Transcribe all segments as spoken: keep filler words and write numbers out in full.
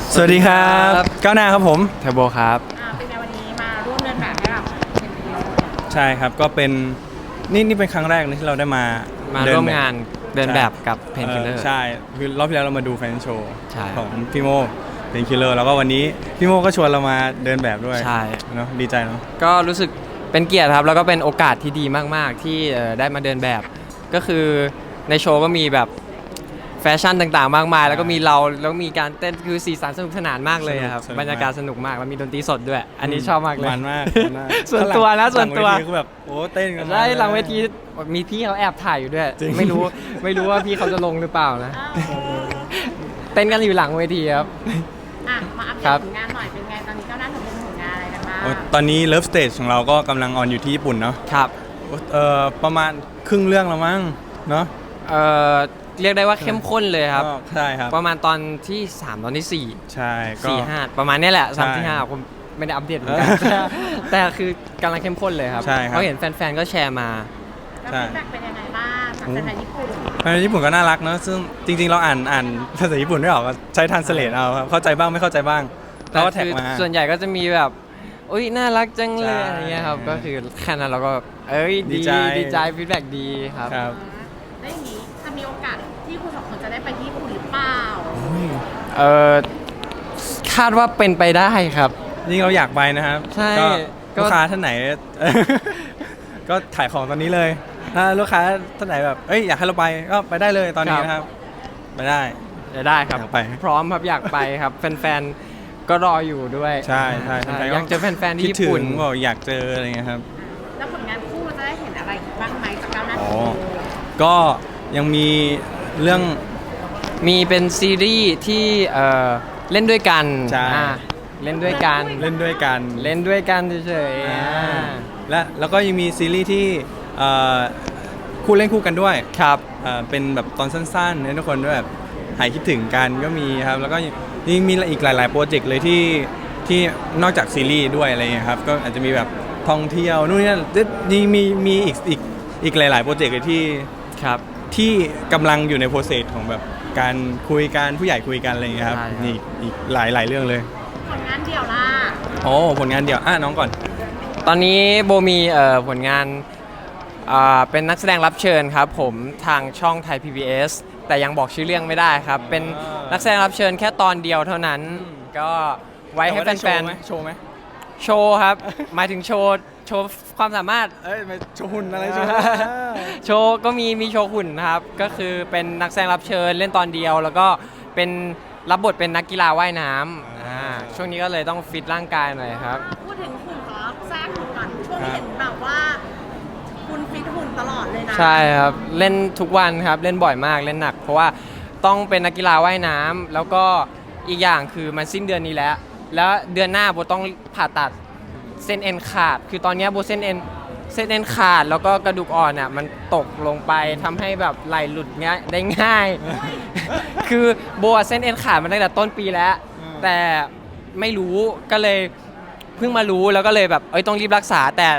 สวัสดีครับก้าวหน้าครับผมเทอร์โบครับอ่าเป็นไงวันนี้มาร่วมเดินแบบให้กับเอ็นพีโอใช่ครับก็เป็นนี่นี่เป็นครั้งแรกนะที่เราได้มามาร่วมงานเดินแบบกับเพนคิลเลอร์ใช่คือรอบที่แล้วเรามาดูแฟนโชว์ใช่ของพี่โมเพนคิลเลอร์แล้วก็วันนี้พี่โมก็ชวนเรามาเดินแบบด้วยใช่เนาะดีใจเนาะก็รู้สึกเป็นเกียรติครับแล้วก็เป็นโอกาสที่ดีมากๆที่ได้มาเดินแบบก็คือในโชว์ก็มีแบบแฟชั่นต่างๆมากมายแล้วก็มีเราแล้วมีการเต้นคือสีสันสนุกสนานมากเลยครับบรรยากาศสนุกมากแล้วมีดนตรีสดด้วยอันนี้ชอบมากเลยมันมากส่วนตัวนะส่วนตัวคือแบบโอ้เต้นกันได้หลังเวทีมีพี่เขาแอบถ่ายอยู่ด้วยไม่รู้ไม่รู้ว่าพี่เขาจะลงหรือเปล่านะเต้นกันอยู่หลังเวทีครับอ่ะมาอัปเดตผลงานหน่อยเป็นไงตอนนี้ก้าวหน้าทำเป็นผลงานอะไรกันบ้างตอนนี้เลิฟสเตจของเราก็กำลังออนอยู่ที่ญี่ปุ่นเนาะครับเอ่อประมาณครึ่งเรื่องแล้วมั้งเนาะเอ่อเรียกได้ว่าเข้มข้นเลยครับใช่ครับประมาณตอนที่สามตอนที่สี่ใช่สี่ห้าประมาณนี้แหละสามที่ห้าผมไม่ได้อัปเดตเหมือนกันแต่คือกำลังเข้มข้นเลยครับเขาเห็นแฟนๆก็แชร์มาแล้วฟีดแบ็กเป็นยังไงบ้างจากแฟนๆญี่ปุ่นแฟนญี่ปุ่นก็น่ารักเนอะซึ่งจริงๆเราอ่านอ่านภาษาญี่ปุ่นไม่ออกใช้ทรานสเลทเอาครับเข้าใจบ้างไม่เข้าใจบ้างแล้วก็แท็กมาส่วนใหญ่ก็จะมีแบบอุ้ยน่ารักจังเลยอะไรเงี้ยครับก็คือแค่นั้นเราก็เอ้ยดีดีใจฟีดแบ็กดีครับครับได้อย่างนี้จะมีโอกาสที่คุณสองคนจะได้ไปที่ญี่ปุ่นหรือเปล่าเออคาดว่าเป็นไปได้ครับจริงเราอยากไปนะครับใช่ลูกค้าท่านไหนก็ขายของตอนนี้เลยถ้าลูกค้าท่านไหนแบบเอ้ยอยากให้เราไปก็ไปได้เลยตอนนี้นะครับไปได้จะได้ครับไปพร้อมครับอยากไปครับแฟนๆก็รออยู่ด้วยใช่ใช่อยากเจอแฟนๆที่ญี่ปุ่นบอกอยากเจออะไรเงี้ยครับแล้วผลงานคู่จะได้เห็นอะไรบ้างไหมจากก้าวหน้าอ๋อก็ยังมีเรื่องมีเป็นซีรีส์ที่เอ่อเล่นด้วยกันใช่เล่นด้วยกันเล่นด้วยกันเล่นด้วยกันเฉยๆและแล้วก็ยังมีซีรีส์ที่คู่เล่นคู่กันด้วยครับเป็นแบบตอนสั้นๆให้ทุกคนด้วยแบบหายคิดถึงกันก็มีครับแล้วก็ยังมีอีกหลายๆโปรเจกต์เลยที่ที่นอกจากซีรีส์ด้วยอะไรเงี้ยครับก็อาจจะมีแบบท่องเที่ยวนู่นนี่นี่มีมีอีกอีกอีกหลายๆโปรเจกต์เลยที่ครับที่กำลังอยู่ในโปรเซสของแบบการคุยกันผู้ใหญ่คุยกันอะไรเงี้ยครับนี่อีกหลายหลายเรื่องเลยผลงานเดี่ยวล่ะโอ้ผลงานเดี่ยวอ่ะน้องก่อนตอนนี้โบมีเอ่อผลงานอ่าเป็นนักแสดงรับเชิญครับผมทางช่องไทย พี บี เอส แต่ยังบอกชื่อเรื่องไม่ได้ครับเป็นนักแสดงรับเชิญแค่ตอนเดียวเท่านั้นก็ไว้ให้แฟนๆโชว์ไหมโชว์ครับหมายถึงโชว์โชว์ความสามารถเอ้ยโชว์หุ่นอะไรโชว์โชว์ก็มีมีโชว์หุ่นครับก็คือเป็นนักแสดงรับเชิญเล่นตอนเดียวแล้วก็เป็นรับบทเป็นนักกีฬาว่ายน้ำช่วงนี้ก็เลยต้องฟิตร่างกายหน่อยครับพูดถึงหุ่นขอแทรกหุ่นก่อนช่วงนี้เห็นแบบว่าคุณฟิตหุ่นตลอดเลยนะใช่ครับเล่นทุกวันครับเล่นบ่อยมากเล่นหนักเพราะว่าต้องเป็นนักกีฬาว่ายน้ำแล้วก็อีกอย่างคือมันสิ้นเดือนนี้แล้วแล้วเดือนหน้าโบต้องผ่าตัดเส้นเอ็นขาดคือตอนนี้โบเส้นเอ็นเส้นเอ็นขาดแล้วก็กระดูกอ่อนอ่ะมันตกลงไปทำให้แบบไหลหลุดเงี้ยได้ง่ายคือโบเส้นเอ็นขาดมาตั้งแต่ต้นปีแล้วแต่ไม่รู้ก็เลยเพิ่งมารู้แล้วก็เลยแบบเอ้ยต้องรีบรักษาแต่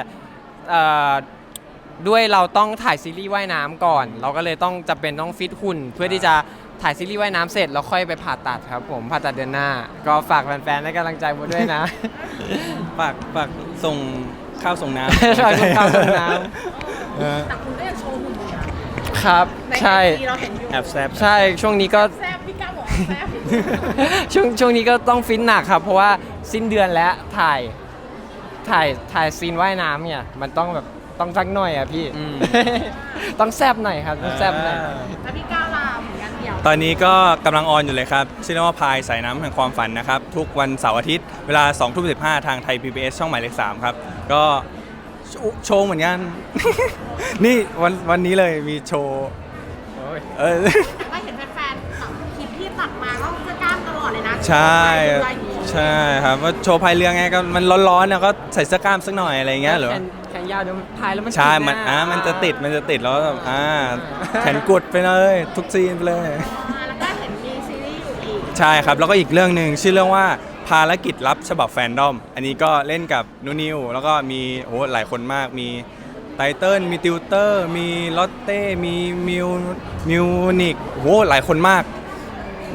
ด้วยเราต้องถ่ายซีรีส์ว่ายน้ำก่อนเราก็เลยต้องจำเป็นต้องฟิตหุ่นเพื่อที่จะถ่ายซีรีส์ว่ายน้ำเสร็จแล้วค่อยไปผ่าตัดครับผมผ่าตัดเดือนหน้าก็ฝากแฟนๆให้กำลังใจโบด้วยนะฝากฝากส่งข้าวส่งน้ำใช่ส่งข้าวส่งน้ำแต่คุณก็ยังโชว์หุ่นอยู่ครับใช่แอบแซบใช่ช่วงนี้ก็แซบพี่ก้าวบอกแซบช่วงช่วงนี้ก็ต้องฟิตหนักครับเพราะว่าสิ้นเดือนแล้วถ่ายถ่ายถ่ายซีนว่ายน้ำเนี่ยมันต้องแบบต้องสักหน่อยอ่ะพี่ต้องแซบหน่อยครับต้องแซบหน่อยแล้วพี่ก้าวลาเหมือนกันเดียวตอนนี้ก็กำลังออนอยู่เลยครับซีนีมาพายสายน้ำแห่งความฝันนะครับทุกวันเสาร์อาทิตย์เวลาสองทุ่มสิบห้าทางไทย พี บี เอส ช่องหมายเลขสามครับก็โชว์เหมือนกันนี่วันวันนี้เลยมีโชว์เออไม่เห็นแฟนๆคลิปที่ตัดมาก็จะกล้ามตลอดเลยนะใช่ใช่ครับว่าโชว์พายเรือไงก็มันร้อนๆนะก็ใส่เสื้อกล้ามสักหน่อยอะไรเงี้ยหรอแขนยาวเดี๋ยวพายแล้วมันใช่มันอ่ามันจะติดมันจะติดแล้วแบบอ่าแขนกุดไปเลยทุกซีนไปเลยแล้วก็เห็นมีซีรีส์อยู่อีกใช่ครับแล้วก็อีกเรื่องหนึ่งชื่อเรื่องว่าภารกิจลับฉบับแฟนดอมอันนี้ก็เล่นกับนูนิวแล้วก็มีโอ้หลายคนมากมีไตเติ้ลมีติวเตอร์มีลอตเต้มีมิวมิวนิกโอ้หลายคนมาก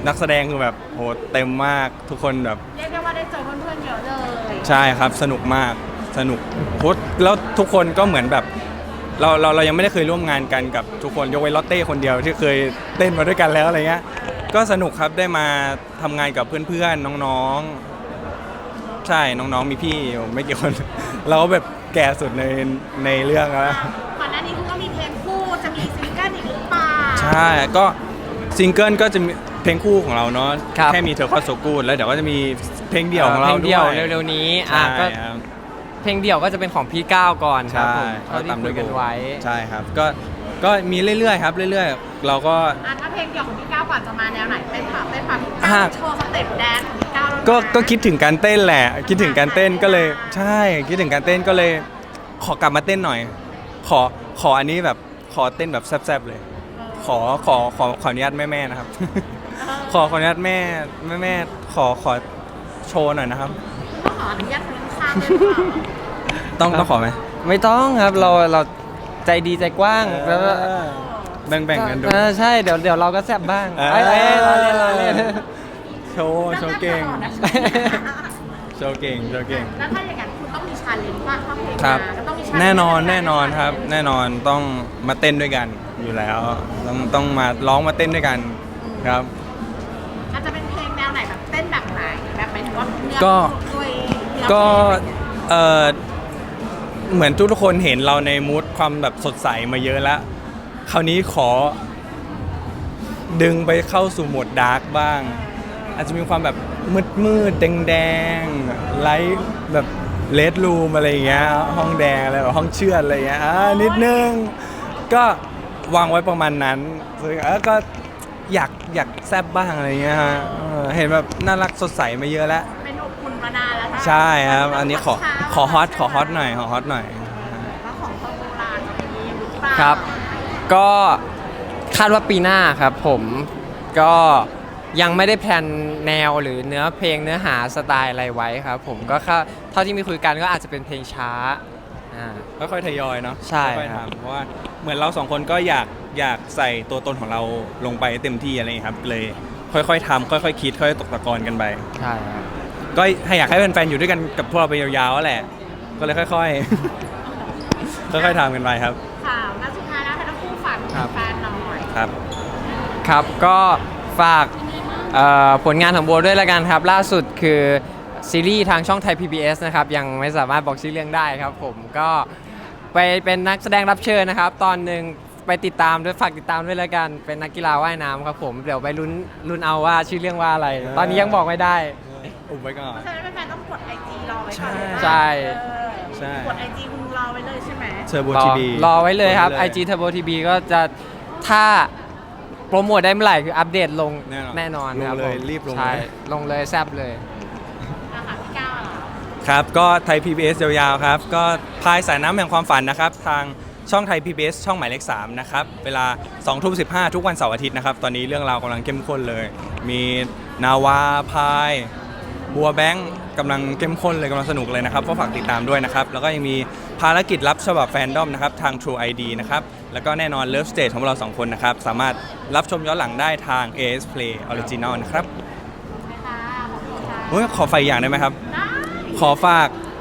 นักแสดงคือแบบโหเต็มมากทุกคนแบบเรียกได้ว่าได้เจอเพื่อนๆเยอะเลยใช่ครับสนุกมากสนุกโหแล้วทุกคนก็เหมือนแบบเราเราเรายังไม่ได้เคยร่วมงานกันกับทุกคนยกเว้นลอตเต้คนเดียวที่เคยเต้นมาด้วยกันแล้วอะไรเงี้ยก็สนุกครับได้มาทำงานกับเพื่อนๆน้องๆใช่น้องๆมีพี่อยู่ไม่กี่คน เราก็แบบแก่สุดในในเรื่องแล้วก่อนหน้านี้คุณก็มีเพลงคู่จะมีซิงเกิลอีกหรือเปล่าใช่ก็ซิงเกิลก็จะมีเพลงคู่ของเราเนาะครับแค่มีเธอก็โซกูดแล้วเดี๋ยวก็จะมีเพลงเดี่ยวของเราเพลงด้เดี่ยววยเร็วๆนี้ใช่อ่ะก็ครับเพลงเดี่ยวก็จะเป็นของพี่ก้าวก่อนครับใช่ผมเท่าที่คุยกันไว้ใช่ครับก็ก็มีเรื่อยๆครับเรื่อยๆ เราก็อ่ะถ้าเพลงเดี่ยวของพี่ก้าวก่อนจะมาแนวไหนเต้นผับเต้นผับอ่ะโชว์สเต็ปแดนซ์ของพี่ก้าวแล้วนะก็ก็คิดถึงการเต้นแหละ คิดถึงการเต้นก็เลยใช่คิดถึงการเต้นก็เลย ขอกลับมาเต้นหน่อย ขอขออันนี้แบบขอเต้นแบบแซ่บๆเลย ขอขอขอขออนุญาตแม่ๆนะครับ ขอขออนุญาตแม่แม่ๆขอขอโชว์หน่อยนะครับก็ขออนุญาตคนข้างๆด้วยหรือเปล่าต้องต้องขอไหมไม่ต้องครับเราเราใจดีใจกว้างแล้วก็แบ่งแบ่งๆกันดูเออใช่เดี๋ยวเดี๋ยวเราก็แซบบ้างเออเอ้ยเอ้ยเราเล่นเราเล่นโชว์โชว์เก่งนั่งๆตลอดนะโชว์เก่งโชว์เก่งแล้วถ้าอย่างนั้นคุณต้องมีชาเลนจ์ว่าถ้าเพลงครับมาก็ต้องมี challenge แน่นอนแน่นอนครับ แน่นอนต้องมาเต้นด้วยกันอยู่แล้ว ต้องต้องมาร้องมาเต้นด้วยกันครับอาจจะเป็นเพลงแนวไหนแบบเต้นแบบไหนแบบหมายถึงว่าเนื้อก็ด้วยเนื้อก็เพลงเออเหมือนทุกๆคนเห็นเราในมูดความแบบสดใสมาเยอะแล้ว คราวนี้ขอ ดึงไปเข้าสู่โหมดดาร์กบ้าง อาจจะมีความแบบมืดมืดแดงแดงๆไลท์แบบเลดรูมอะไรอย่างเงี้ยห้องแดงอะไรแบบห้องเชือดอะไรอย่างเงี้ยอ่านิดนึง ก็วางไว้ประมาณนั้นซึ่งเออก็อยากอยากแซบบ้างอะไรเงี้ยฮะเออเห็นแบบน่ารักสดใสมาเยอะแล้วเป็นอบอุ่นมานานแล้วค่ะใช่ครับ อันนี้ขอขอฮอตขอฮอตหน่อยขอฮอตหน่อยแล้วของโบราณจะมีหรือเปล่าครับ ก็คาดว่าปีหน้าครับผมก็ยังไม่ได้แพลนแนวหรือเนื้อเพลงเนื้อหาสไตล์อะไรไว้ครับผมก็แค่เท่าที่มีคุยกันก็อาจจะเป็นเพลงช้าอ่าค่อยๆทยอยเนาะใช่ค่อยๆครับทำเพราะว่าเหมือนเราสองคนก็อยากอยากใส่ตัวตนของเราลงไปเต็มที่อะไรอย่างเงี้ยครับ เลยค่อยๆทำค่อยๆคิดค่อยๆตกตะกอนกันไปใช่ครับก็ให้อยากให้แฟนๆอยู่ด้วยกันกับพวกเราไปยาวๆแหละ ก็เลยค่อยๆ ค่อยๆทำกันไปครับค่ะแล้วสุดท้ายแล้วให้ทั้งคู่ฝากครับแฟนๆหน่อยครับครับก็ฝากเอ่อผลงานของโบด้วยละกันครับ ล่าสุดคือซีรีส์ทางช่องไทย พี บี เอส นะครับยังไม่สามารถบอกชื่อเรื่องได้ครับผมก็ไปเป็นนักแสดงรับเชิญนะครับ ตอนหนึ่งไปติดตามด้วยฝากติดตามด้วยละกันเป็นนักกีฬาว่ายน้ำครับผมเดี๋ยวไปลุ้นลุ้นเอาว่าชื่อเรื่องว่าอะไร ตอนนี้ยังบอกไม่ได้อุบไว้ก่อนเพราะฉะนั้นแฟนๆต้องกดไอจีรอไว้ก่อนใช่เออใช่กดไอจีคุณรอไว้เลยใช่ไหมเทอร์โบรอทีบีรอไว้เลยครับ ไอ จี Turbo ที บี ก็จะถ้าโปรโมทได้เมื่อไหร่คืออัปเดตลงแน่นอนแน่นอนครับลงเลยผมรีบลงใช่เลยลงเลยแซบเลยอ่ะค่ะพี่ก้าวเหรอครับ ก็ไทย พี บี เอส ยาวๆครับ ก็พายสายน้ำแห่งความฝันนะครับ ทางช่องไทย พี บี เอส ช่องหมายเลขสามนะครับ เวลาสองทุ่มสิบห้าทุกวันเสาร์อาทิตย์นะครับ ตอนนี้เรื่องราวกำลังเข้มข้นเลย มีนาวาพายบัวแบงค์กำลังเข้มข้นเลยกำลังสนุกเลยนะครับก็ฝากติดตามด้วยนะครับ แล้วก็ยังมีภารกิจลับฉบับแฟนดอมนะครับ ทาง True ไอ ดี นะครับ แล้วก็แน่นอน Love Stage ของเราสองคนนะครับ สามารถรับชมย้อนหลังได้ทาง เอ เอส Play Original นะครับค่ะขอบคุณค่ะเฮ้ยขอไฟอย่างได้ไหมครับได้ขอฝาก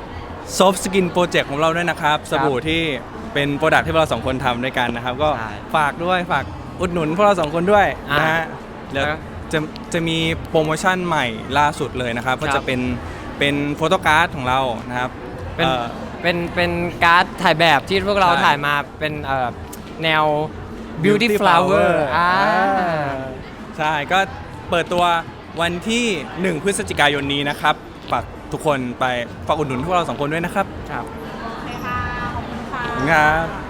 Soft Skin Project ของเราด้วยนะครับ สบู่ที่เป็นโปรดักที่พวกเราสองคนทำด้วยกันนะครับ ก็ใช่ฝากด้วยฝากอุดหนุนพวกเราสองคนด้วยอ่านนะฮะเดี๋ยวแล้วจะจะมีโปรโมชั่นใหม่ล่าสุดเลยนะครับก็ครัจะบเป็นเป็นโฟโต้การ์ดของเรานะครับเป็นเอ่อเป็นเป็นการ์ดถ่ายแบบที่พวกเราใช่ถ่ายมาเป็นเอ่อแนว beauty flower อ่าใช่ก็เปิดตัววันที่หนึ่งพฤศจิกายนนี้นะครับฝากทุกคนไปฝากอุดหนุนพวกเราสองคนด้วยนะครับครับโอเคค่ะ ขอบคุณค่ะขอบคุณครับ